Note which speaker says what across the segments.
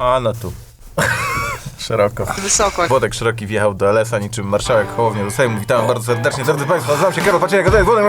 Speaker 1: A no tu. Szeroko.
Speaker 2: Wysoko.
Speaker 1: Włodek Szeroki wjechał do LS-a niczym marszałek Hołownia do Sejmu. Witam bardzo serdecznie, drodzy Państwo, nazywam się Karol Paciejek, to jest Włodek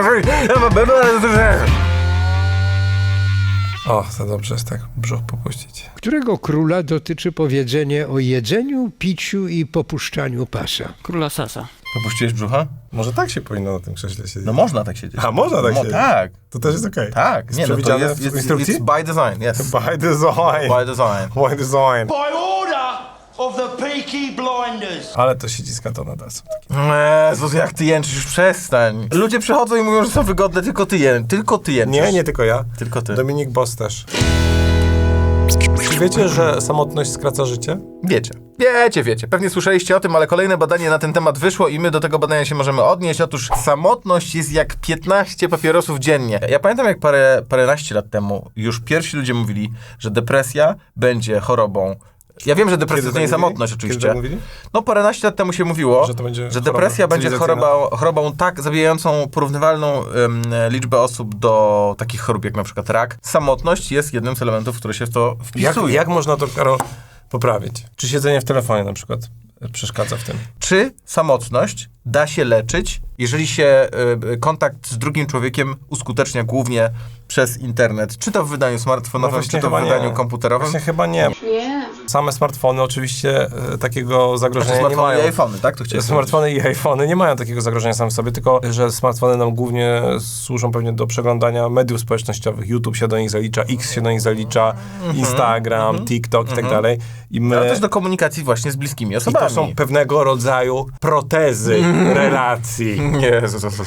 Speaker 3: O, to dobrze jest tak brzuch popuścić.
Speaker 4: Którego króla dotyczy powiedzenie o jedzeniu, piciu i popuszczaniu pasa?
Speaker 2: Króla Sasa.
Speaker 1: Popuściłeś brzucha?
Speaker 3: Może tak się powinno na tym krześle siedzieć.
Speaker 1: No można tak siedzieć.
Speaker 3: A można tak siedzieć?
Speaker 1: Tak.
Speaker 3: To też jest okej.
Speaker 1: Tak.
Speaker 3: Jest
Speaker 1: Nie, no to
Speaker 3: przewidziane
Speaker 1: jest
Speaker 3: w instrukcji?
Speaker 1: it's by design, yes.
Speaker 3: By design.
Speaker 1: By design.
Speaker 3: By design.
Speaker 5: By order of the Peaky Blinders.
Speaker 3: Ale to ściska to nadal są takie.
Speaker 1: Jezus, jak ty jęczysz, już przestań. Ludzie przychodzą i mówią, że są wygodne, tylko ty jęczysz.
Speaker 3: Nie tylko ja.
Speaker 1: Tylko ty.
Speaker 3: Dominik Boss też. Czy wiecie, że samotność skraca życie?
Speaker 1: Wiecie. Pewnie słyszeliście o tym, ale kolejne badanie na ten temat wyszło i my do tego badania się możemy odnieść. Otóż samotność jest jak 15 papierosów dziennie. Ja pamiętam, jak paręnaście lat temu już pierwsi ludzie mówili, że depresja będzie chorobą. Ja wiem, że depresja to nie samotność oczywiście.
Speaker 3: Kiedy tak mówili?
Speaker 1: No paręnaście lat temu się mówiło,
Speaker 3: Że to będzie
Speaker 1: że depresja będzie chorobą tak zabijającą porównywalną liczbę osób do takich chorób jak na przykład rak. Samotność jest jednym z elementów, które się w to wpisuje.
Speaker 3: Jak można to, Karol, poprawić? Czy siedzenie w telefonie na przykład przeszkadza w tym?
Speaker 1: Czy samotność da się leczyć, jeżeli się kontakt z drugim człowiekiem uskutecznia głównie przez internet? Czy to w wydaniu smartfonowym, czy to w wydaniu komputerowym?
Speaker 3: Właśnie chyba nie. Same smartfony oczywiście takiego zagrożenia nie mają.
Speaker 1: Smartfony i iPhony, tak? To
Speaker 3: Smartfony i iPhony nie mają takiego zagrożenia same w sobie, tylko że smartfony nam głównie służą pewnie do przeglądania mediów społecznościowych. YouTube się do nich zalicza, X się do nich zalicza, Instagram, TikTok i tak dalej.
Speaker 1: Ale też do komunikacji właśnie z bliskimi
Speaker 3: I
Speaker 1: osobami.
Speaker 3: to są pewnego rodzaju protezy relacji.
Speaker 1: Nie.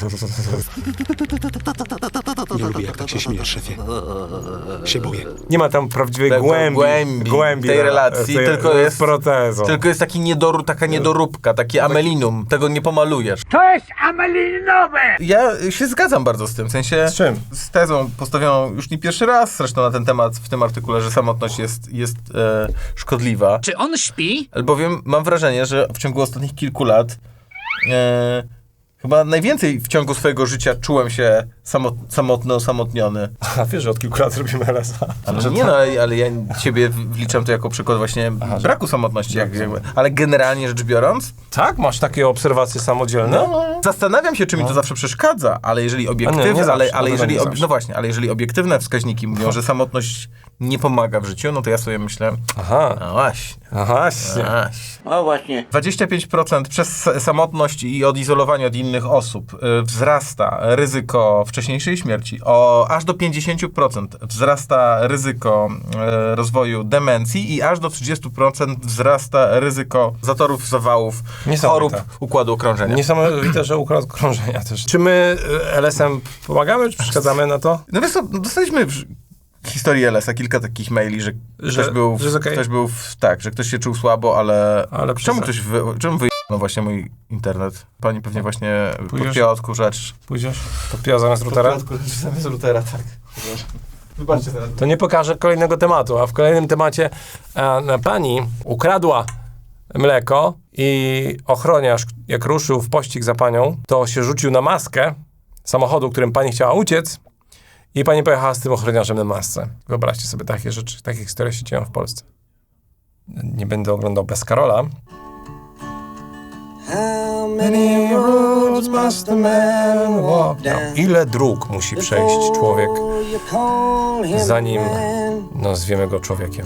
Speaker 6: Nie lubię, jak tak się śmiejesz, szefie. Się boję.
Speaker 3: Nie ma tam prawdziwej głębi
Speaker 1: tej relacji, tylko jest
Speaker 3: protezą.
Speaker 1: Tylko jest taka niedoróbka, takie amelinum. Tego nie pomalujesz.
Speaker 4: To jest amelinowe!
Speaker 1: Ja się zgadzam bardzo z tym, w sensie...
Speaker 3: Z czym?
Speaker 1: Z tezą postawioną już nie pierwszy raz zresztą na ten temat w tym artykule, że samotność jest szkodliwa.
Speaker 2: Czy on śpi?
Speaker 1: Albowiem mam wrażenie, że w ciągu ostatnich kilku lat chyba najwięcej w ciągu swojego życia czułem się samotny, osamotniony.
Speaker 3: A wiesz, że od kilku lat robimy LSA.
Speaker 1: Ale ja ciebie wliczam to jako przykład właśnie braku samotności. Ale generalnie rzecz biorąc...
Speaker 3: Tak? Masz takie obserwacje samodzielne?
Speaker 1: Zastanawiam się, czy mi to zawsze przeszkadza, ale jeżeli obiektywne, ale jeżeli obiektywne wskaźniki mówią, że samotność nie pomaga w życiu, no to ja sobie myślę, no właśnie. 25% przez samotność i odizolowanie od innych osób wzrasta ryzyko wcześniejszej śmierci. Aż do 50% wzrasta ryzyko rozwoju demencji i aż do 30% wzrasta ryzyko zatorów, zawałów, chorób układu okrążenia.
Speaker 3: Niesamowite, że układ okrążenia też. Czy my LS-em pomagamy, czy przeszkadzamy na to?
Speaker 1: No wiesz co, dostaliśmy w historii LS-a kilka takich maili, że ktoś się czuł słabo, ale czemu no właśnie mój internet? Pani pewnie właśnie podpięła odkurzacz.
Speaker 3: Pójdziesz? Podpięła zamiast routera?
Speaker 1: Zamiast routera, tak. Wybaczcie teraz.
Speaker 3: To nie pokażę kolejnego tematu, a w kolejnym temacie pani ukradła mleko i ochroniarz, jak ruszył w pościg za panią, to się rzucił na maskę samochodu, którym pani chciała uciec i pani pojechała z tym ochroniarzem na masce. Wyobraźcie sobie takie rzeczy, takie historie się dzieją w Polsce. Nie będę oglądał bez Karola. Ile dróg musi przejść człowiek, zanim nazwiemy go człowiekiem?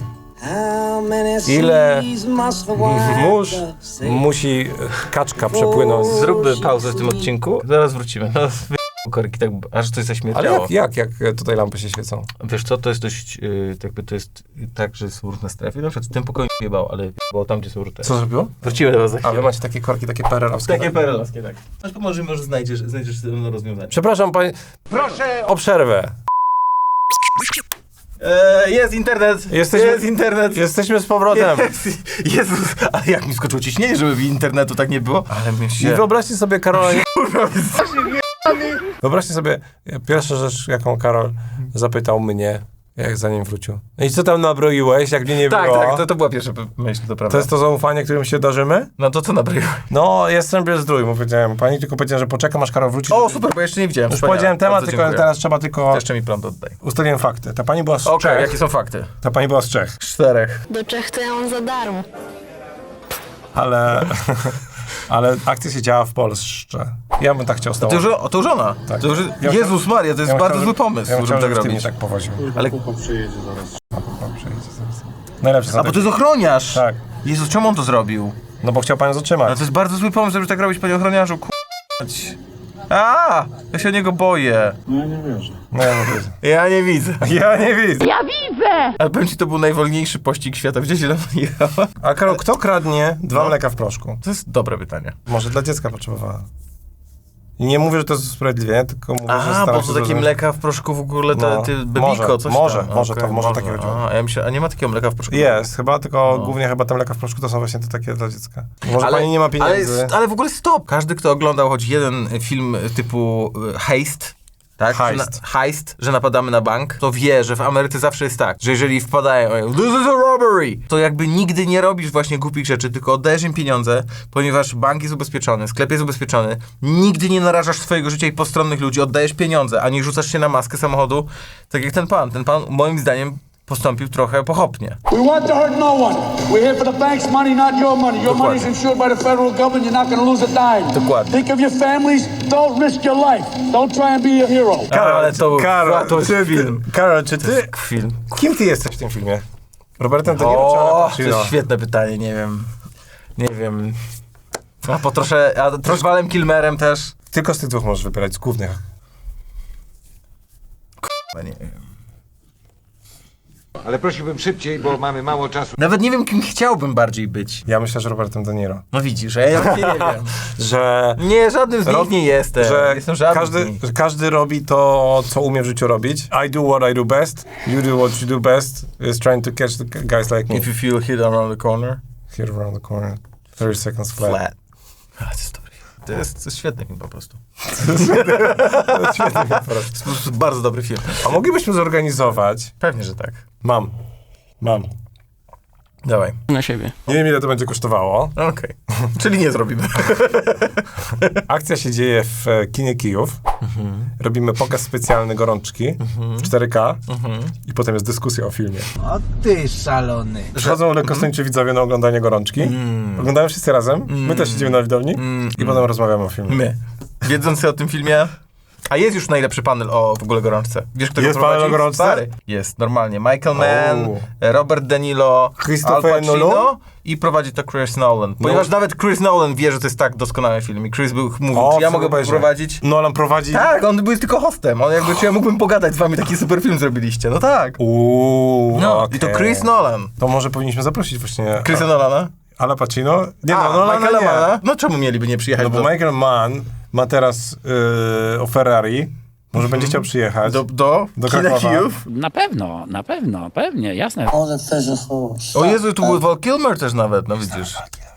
Speaker 3: Ile mórz musi kaczka przepłynąć?
Speaker 1: Zróbmy pauzę w tym odcinku, zaraz wrócimy. Korki, tak, aż coś zaśmierdziało.
Speaker 3: Ale jak tutaj lampy się świecą?
Speaker 1: Wiesz co, to jest dość, to jest tak, że są różne strefy. Na przykład w tym pokoju nie jebało, ale jebało tam, gdzie są różne.
Speaker 3: Co zrobiło?
Speaker 1: Wrócimy do was za chwilę.
Speaker 3: A wy macie takie korki, takie perelowskie?
Speaker 1: Takie perelowskie, tak. Aż może znajdziesz rozwiązanie.
Speaker 3: Przepraszam, panie...
Speaker 4: Proszę
Speaker 3: o przerwę.
Speaker 1: Jest internet! Jest internet!
Speaker 3: Jesteśmy z powrotem.
Speaker 1: Jezus, ale jak mi skoczyło ciśnienie, żeby internetu tak nie było? Ale my się...
Speaker 3: I wyobraźcie sobie, Karola... Wyobraźcie sobie, pierwsza rzecz, jaką Karol zapytał mnie, jak zanim wrócił. No i co tam nabroiłeś, jak mnie nie
Speaker 1: Tak,
Speaker 3: było?
Speaker 1: tak, to była pierwsza myśl, to prawda.
Speaker 3: To jest to zaufanie, którym się darzymy?
Speaker 1: No to co nabroiłeś?
Speaker 3: No, jestem bez zdrój, mu powiedziałem. Pani tylko powiedziała, że poczekam, aż Karol wróci.
Speaker 1: O, super, bo jeszcze nie widziałem.
Speaker 3: Już
Speaker 1: Wspaniale.
Speaker 3: powiedziałem temat,
Speaker 1: Bardzo
Speaker 3: tylko
Speaker 1: dziękuję.
Speaker 3: teraz trzeba tylko...
Speaker 1: To jeszcze mi prąd oddaj.
Speaker 3: Ustaliłem fakty. Ta pani była z
Speaker 1: Okej,
Speaker 3: Czech.
Speaker 1: jakie są fakty?
Speaker 3: Ta pani była z Czech.
Speaker 1: 4.
Speaker 2: Do Czech to ja mam za darmo.
Speaker 3: Ale akcja się działa w Polsce. Ja bym tak chciał
Speaker 1: To już, to żona.
Speaker 3: Tak.
Speaker 1: To już,
Speaker 3: Ja
Speaker 1: Jezus Maria, to jest
Speaker 3: Ja bym
Speaker 1: bardzo
Speaker 3: chciał,
Speaker 1: zły pomysł,
Speaker 3: ja bym
Speaker 1: żeby
Speaker 3: chciał,
Speaker 1: tak
Speaker 3: żebyś ty mnie
Speaker 1: robić.
Speaker 3: tak powoził.
Speaker 1: Ale...
Speaker 3: Pan przyjedzie zaraz. Najlepsze
Speaker 1: A bo to jest ochroniarz!
Speaker 3: Tak.
Speaker 1: Jezus, czemu on to zrobił?
Speaker 3: No bo chciał pan zatrzymać.
Speaker 1: Ale to jest bardzo zły pomysł, żeby tak robić, panie ochroniarzu, k***ać. Ja się o niego boję.
Speaker 3: No ja nie widzę.
Speaker 1: Ja nie widzę.
Speaker 3: Ja nie widzę.
Speaker 1: Ale powiem ci, to był najwolniejszy pościg świata. Widziałeś, ile on jechał?
Speaker 3: A Karol, kto kradnie 2 mleka w proszku?
Speaker 1: To jest dobre pytanie.
Speaker 3: Może dla dziecka potrzebowała. I nie mówię, że to jest usprawiedliwienie, tylko mówię, że
Speaker 1: Aha,
Speaker 3: staram
Speaker 1: bo
Speaker 3: się
Speaker 1: to takie
Speaker 3: zrozumieć.
Speaker 1: mleka w proszku w ogóle,
Speaker 3: No,
Speaker 1: ty bebiko,
Speaker 3: może,
Speaker 1: coś
Speaker 3: może,
Speaker 1: tam.
Speaker 3: może
Speaker 1: Okej,
Speaker 3: to- może takie chodziło.
Speaker 1: A, ja myślę, a nie ma takiego mleka w proszku?
Speaker 3: Jest, chyba, tylko głównie chyba te mleka w proszku to są właśnie te takie dla dziecka. Może pani nie ma pieniędzy.
Speaker 1: Ale w ogóle stop! Każdy, kto oglądał choć jeden film typu Heist, tak?
Speaker 3: Heist.
Speaker 1: Że napadamy na bank, to wie, że w Ameryce zawsze jest tak, że jeżeli wpadają, this is a robbery, to jakby nigdy nie robisz właśnie głupich rzeczy, tylko oddajesz im pieniądze, ponieważ bank jest ubezpieczony, sklep jest ubezpieczony, nigdy nie narażasz swojego życia i postronnych ludzi, oddajesz pieniądze, a nie rzucasz się na maskę samochodu, tak jak ten pan. Ten pan moim zdaniem postąpił trochę pochopnie.
Speaker 7: We want to hurt no one. We're here for the bank's money, not your money. Your money is insured by the federal government. You're not going to lose a dime.
Speaker 1: Dokładnie.
Speaker 7: Think of your families. Don't risk your life. Don't try and be a hero.
Speaker 1: Ale to był to jest film.
Speaker 3: Karol, czy ty...
Speaker 1: Film.
Speaker 3: Kim ty jesteś w tym filmie? Robertem De Niro czy Al
Speaker 1: O, to
Speaker 3: Pacino?
Speaker 1: jest świetne pytanie, nie wiem. Nie wiem. A też Walem Kilmerem też.
Speaker 3: Tylko z tych dwóch możesz wybierać, z głównych.
Speaker 1: No nie wiem.
Speaker 8: Ale prosiłbym szybciej, bo mamy mało czasu.
Speaker 1: Nawet nie wiem, kim chciałbym bardziej być.
Speaker 3: Ja myślę, że Robertem De Niro.
Speaker 1: No widzisz, a ja nie wiem.
Speaker 3: Że...
Speaker 1: Nie, żadnym z nich nie jestem. Jestem żadnym z nich.
Speaker 3: że każdy robi to, co umie w życiu robić. I do what I do best. You do what you do best. Is trying to catch the guys like me.
Speaker 1: If you feel hit around the corner.
Speaker 3: Here around the corner. 30 seconds flat.
Speaker 1: Flat. A, to jest dobry film. To jest świetny film po prostu.
Speaker 3: Świetnie.
Speaker 1: To jest po prostu bardzo dobry film.
Speaker 3: A moglibyśmy zorganizować...
Speaker 1: Pewnie, że tak.
Speaker 3: Mam.
Speaker 1: Dawaj.
Speaker 2: Na siebie.
Speaker 3: Nie wiem, ile to będzie kosztowało.
Speaker 1: Okej. Czyli nie zrobimy.
Speaker 3: Akcja się dzieje w kinie Kijów. Robimy pokaz specjalny Gorączki w 4K i potem jest dyskusja o filmie.
Speaker 6: O ty szalony.
Speaker 3: Przychodzą lekkostończy widzowie na oglądanie Gorączki. Oglądają wszyscy razem. My też siedzimy na widowni i potem rozmawiamy o filmie.
Speaker 1: My. Wiedzący o tym filmie. A jest już najlepszy panel o w ogóle Gorączce. Wiesz, kto
Speaker 3: Jest
Speaker 1: go prowadzi?
Speaker 3: panel o Gorączce?
Speaker 1: Stary. Jest, normalnie. Michael Mann, Robert De Niro, Al
Speaker 3: Christopher
Speaker 1: Pacino
Speaker 3: Nolan?
Speaker 1: i prowadzi to Chris Nolan. Ponieważ nawet Chris Nolan wie, że to jest tak doskonały film. I Chris mówił, czy ja mogę prowadzić?
Speaker 3: Nolan prowadzi...
Speaker 1: Tak, on był tylko hostem. On jakby, czy ja mógłbym pogadać z wami, taki super film zrobiliście. No tak. No,
Speaker 3: okej.
Speaker 1: i to Chris Nolan.
Speaker 3: To może powinniśmy zaprosić właśnie...
Speaker 1: Chrisa Nolana?
Speaker 3: Ala Pacino? Nie,
Speaker 1: A,
Speaker 3: no, Nolana
Speaker 1: Michaela
Speaker 3: nie.
Speaker 1: Manna? No czemu mieliby nie przyjechać
Speaker 3: No bo Michael Mann ma teraz o Ferrari. Może będzie chciał przyjechać
Speaker 1: do kina
Speaker 3: Krakowa.
Speaker 1: Kijów?
Speaker 9: Na pewno, pewnie, jasne.
Speaker 1: O Jezu, tu był Val Kilmer też nawet, no widzisz.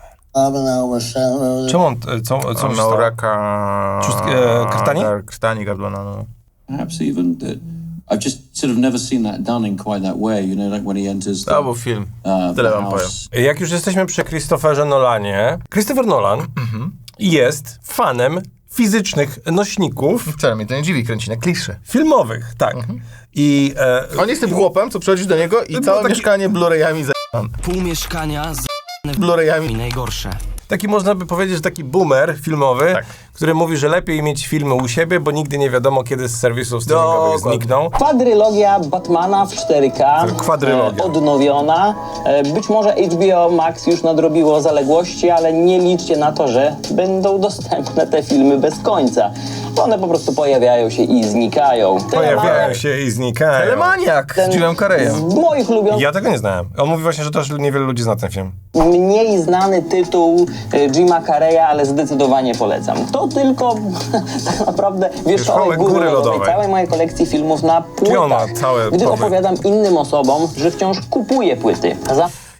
Speaker 3: Czemu on... Co
Speaker 1: On
Speaker 3: się
Speaker 1: miał
Speaker 3: stało?
Speaker 1: raka...
Speaker 3: krtani?
Speaker 1: Krtani gardłana, no.
Speaker 10: Perhaps even that I've just sort of never seen that done in quite that way, you know, like when he enters
Speaker 1: To był film. Tyle wam powiem.
Speaker 3: Jak już jesteśmy przy Christopherze Nolanie, Christopher Nolan jest fanem fizycznych nośników
Speaker 1: Wcale mnie to nie dziwi, kręci na klisze.
Speaker 3: filmowych, tak. I
Speaker 1: On jest tym chłopem, co przychodzisz do niego i całe mieszkanie Blu-rayami
Speaker 6: Pół mieszkania z
Speaker 1: Blu-rayami.
Speaker 6: najgorsze.
Speaker 3: taki można by powiedzieć, że taki boomer filmowy,
Speaker 1: Tak.
Speaker 3: który mówi, że lepiej mieć filmy u siebie, bo nigdy nie wiadomo, kiedy z serwisów streamingowych znikną.
Speaker 11: Kwadrylogia Batmana w 4K,
Speaker 3: Kwadrylogia.
Speaker 11: odnowiona. Być może HBO Max już nadrobiło zaległości, ale nie liczcie na to, że będą dostępne te filmy bez końca. One po prostu pojawiają się i znikają.
Speaker 3: Pojawiają się i znikają.
Speaker 1: Telemaniak z Jimem
Speaker 11: Z
Speaker 1: Carreyem.
Speaker 11: moich ulubionych,
Speaker 3: Ja tego nie znałem. On mówi właśnie, że też niewiele ludzi zna ten film.
Speaker 11: mniej znany tytuł Jima Carreya, ale zdecydowanie polecam. To tylko tak naprawdę wierzchołek góry lodowej całej mojej kolekcji filmów na
Speaker 3: Czyli on ma
Speaker 11: płytach,
Speaker 3: całe
Speaker 11: gdy
Speaker 3: powy.
Speaker 11: opowiadam innym osobom, że wciąż kupuję płyty.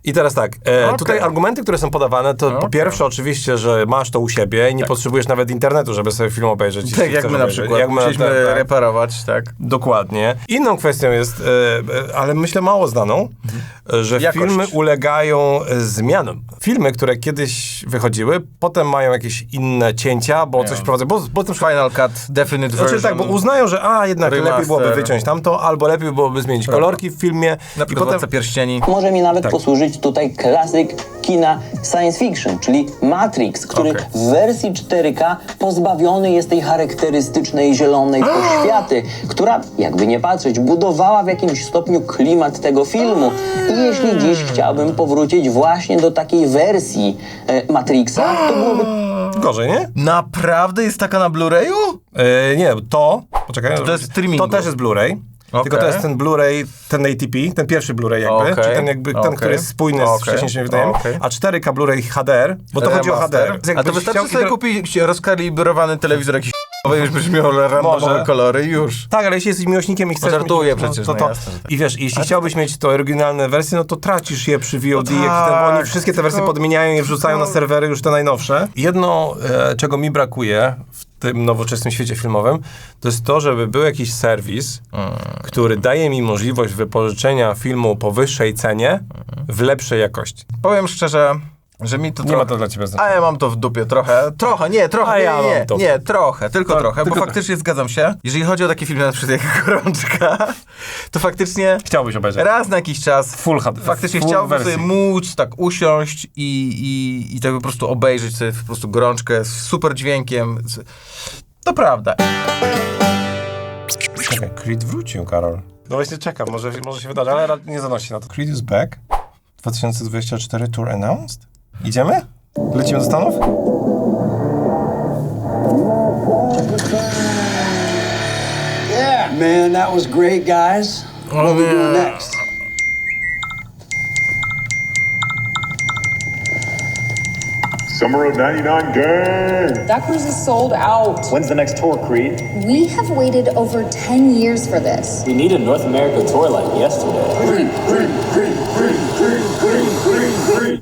Speaker 3: I teraz tak, tutaj argumenty, które są podawane, to po pierwsze oczywiście, że masz to u siebie i nie potrzebujesz nawet internetu, żeby sobie film obejrzeć.
Speaker 1: Tak jak my na przykład, musieliśmy reparować, tak.
Speaker 3: Dokładnie. Inną kwestią jest, ale myślę mało znaną, że
Speaker 1: Jakość.
Speaker 3: filmy ulegają zmianom. Filmy, które kiedyś wychodziły, potem mają jakieś inne cięcia, bo coś prowadzą, bo to
Speaker 1: Final Cut, Definite Version.
Speaker 3: znaczy tak, bo uznają, że jednak
Speaker 1: Remaster.
Speaker 3: lepiej byłoby wyciąć tamto, albo lepiej byłoby zmienić kolorki w filmie.
Speaker 1: Na przykład Władca Pierścieni.
Speaker 11: Może mi nawet posłużyć tutaj klasyk kina science fiction, czyli Matrix, który w wersji 4K pozbawiony jest tej charakterystycznej zielonej poświaty, która, jakby nie patrzeć, budowała w jakimś stopniu klimat tego filmu. I jeśli dziś chciałbym powrócić właśnie do takiej wersji Matrixa, to byłoby...
Speaker 3: Gorzej, nie?
Speaker 1: Naprawdę jest taka na Blu-rayu?
Speaker 3: Nie, to... Poczekaj.
Speaker 1: To jest streamingu.
Speaker 3: To też jest Blu-ray. Tylko to jest ten Blu-ray, ten ATP, ten pierwszy Blu-ray jakby, czyli ten, który jest spójny z wcześniejszym wydaniem, a 4K Blu-ray HDR, bo to chodzi o HDR.
Speaker 1: A to wystarczy sobie kupić rozkalibrowany telewizor jakiś już byś miał randomowe kolory i już.
Speaker 3: Tak, ale jeśli jesteś miłośnikiem i chcesz...
Speaker 1: Żartuję przecież,
Speaker 3: to.
Speaker 1: Jasne, że tak.
Speaker 3: I wiesz, jeśli chciałbyś mieć to oryginalne wersje, no to tracisz je przy VOD, bo oni wszystkie te wersje podmieniają i wrzucają na serwery już te najnowsze. Jedno, czego mi brakuje w tym nowoczesnym świecie filmowym, to jest to, żeby był jakiś serwis, który daje mi możliwość wypożyczenia filmu po wyższej cenie w lepszej jakości.
Speaker 1: Powiem szczerze, że mi to
Speaker 3: Nie
Speaker 1: trochę...
Speaker 3: ma to dla ciebie znaczenia.
Speaker 1: A ja mam to w dupie trochę, trochę, bo faktycznie zgadzam się. Jeżeli chodzi o takie filmy na przykład jak Gorączka, to faktycznie...
Speaker 3: Chciałbyś obejrzeć.
Speaker 1: Raz na jakiś czas
Speaker 3: Full HD.
Speaker 1: faktycznie
Speaker 3: full
Speaker 1: chciałbym
Speaker 3: wersji.
Speaker 1: sobie móc tak usiąść i tak po prostu obejrzeć sobie po prostu Gorączkę z super dźwiękiem. To prawda.
Speaker 3: Czekaj, Creed wrócił, Karol. No właśnie czekam, może się wydarzy, ale nie zanosi na to. Creed is back. 2024 tour announced. Idziemy? Lecimy do Stanów?
Speaker 5: Yeah, man, that was great, guys. What are we doing next?
Speaker 12: Summer of 99 gang!
Speaker 13: That cruise is sold out.
Speaker 12: When's the next tour, Creed?
Speaker 13: We have waited over 10 years for this.
Speaker 11: We need a North America tour like yesterday.
Speaker 12: Creed, Creed, Creed, Creed, Creed, Creed, Creed, Creed.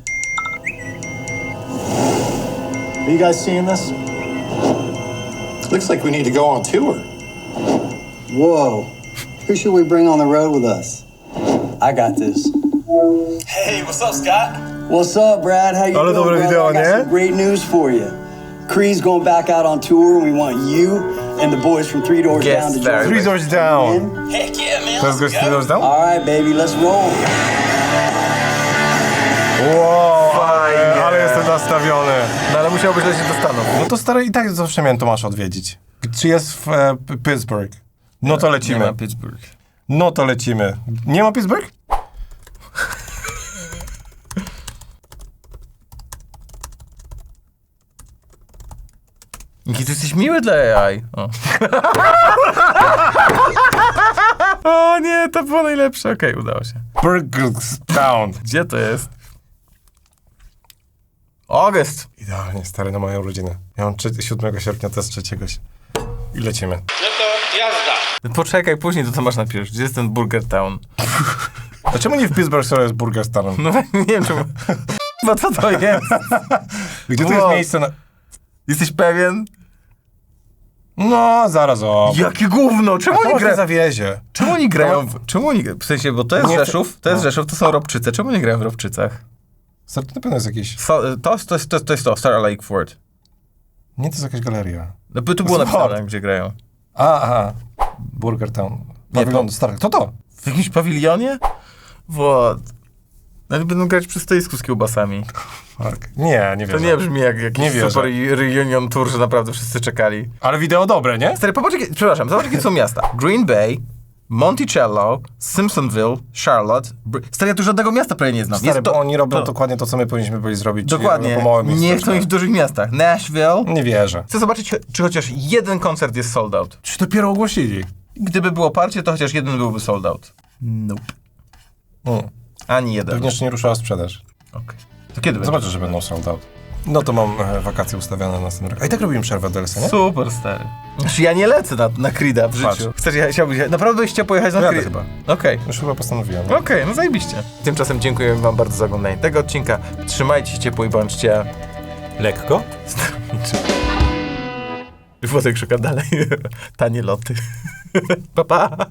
Speaker 14: Are you guys seeing this? Looks like we need to go on tour.
Speaker 5: Whoa. Who should we bring on the road with us? I got this.
Speaker 14: Hey, what's up, Scott?
Speaker 5: What's up, Brad? How you
Speaker 3: Ale
Speaker 5: doing,
Speaker 3: dobre
Speaker 5: brother?
Speaker 3: wideo,
Speaker 5: I got
Speaker 3: nie?
Speaker 5: some great news for you. Creed's going back out on tour, and we want you and the boys from Three Doors Down to join
Speaker 3: Three
Speaker 5: us.
Speaker 3: Doors Down.
Speaker 5: In?
Speaker 14: Heck yeah, man.
Speaker 3: To jest gość Three Doors Down?
Speaker 5: All right, baby, let's roll.
Speaker 3: Wow, ale jestem nastawiony.
Speaker 1: No ale musiałbyś lecieć do Stanów.
Speaker 3: No to stary, i tak zawsze miałem Tomasza odwiedzić. Czy jest w Pittsburgh? No to lecimy.
Speaker 1: Nie ma Pittsburgh.
Speaker 3: No to lecimy. Nie ma Pittsburgh?
Speaker 1: Jaki ty jesteś miły dla AI. O nie, to było najlepsze. Okej, udało się.
Speaker 3: Burgerstown.
Speaker 1: Gdzie to jest? August.
Speaker 3: Idealnie, stary, na moją rodzinę. Ja mam 7 sierpnia, to jest 3. I lecimy.
Speaker 8: No to jazda.
Speaker 1: Poczekaj, później to masz napisz. Gdzie jest ten Burger Town?
Speaker 3: A czemu nie w Pittsburgh skoro jest Burgerstown?
Speaker 1: No nie wiem czemu. Bo co to jest?
Speaker 3: Gdzie to jest miejsce na...
Speaker 1: Jesteś pewien?
Speaker 3: No, zaraz o.
Speaker 1: Jakie gówno! Czemu oni grają?
Speaker 3: zawiezie.
Speaker 1: Czemu oni grają? Czemu oni... W sensie, bo to jest
Speaker 3: Nie,
Speaker 1: Rzeszów, Rzeszów, to są Robczyce. Czemu nie grają w Robczycach?
Speaker 3: To na pewno jest jakieś...
Speaker 1: To jest Star Lake Ford.
Speaker 3: Nie, to jest jakaś galeria.
Speaker 1: No by tu było napisane, gdzie grają.
Speaker 3: Aha. Burgertown. Pawilon stary. To.
Speaker 1: W jakimś pawilionie? What? No będą grać przy stoisku z kiełbasami.
Speaker 3: Fuck. Nie wierzę.
Speaker 1: To nie brzmi jak jakiś super reunion tour, że naprawdę wszyscy czekali.
Speaker 3: Ale wideo dobre, nie?
Speaker 1: Stary, zobacz jakie są miasta. Green Bay, Monticello, Simpsonville, Charlotte. Stary, ja tu żadnego miasta prawie nie znam.
Speaker 3: Stary, bo oni robią dokładnie to, co my powinniśmy byli zrobić.
Speaker 1: Dokładnie.
Speaker 3: Po małym
Speaker 1: Nie chcą ich w dużych miastach. Nashville.
Speaker 3: Nie wierzę.
Speaker 1: Chcę zobaczyć, czy chociaż jeden koncert jest sold out.
Speaker 3: Czy dopiero ogłosili?
Speaker 1: Gdyby było parcie, to chociaż jeden byłby sold out. Nope. Ani jeden.
Speaker 3: Pewnie jeszcze nie ruszała sprzedaż.
Speaker 1: Okej. To kiedy będzie?
Speaker 3: Zobaczysz, że będą sold out. No to mam wakacje ustawione na następny rok. A i tak robimy przerwę do Elsa, nie?
Speaker 1: Super, stary. Znaczy, ja nie lecę na Creed'a w życiu. Chciałbyś, naprawdę byś chciał pojechać na Creed'a?
Speaker 3: chyba.
Speaker 1: Okej.
Speaker 3: Już chyba postanowiłem.
Speaker 1: Okej, no zajebiście. Tymczasem dziękuję wam bardzo za oglądanie tego odcinka. Trzymajcie się ciepło i bądźcie...
Speaker 3: Lekko?
Speaker 1: Włodek szuka dalej. Tanie loty. Pa, pa.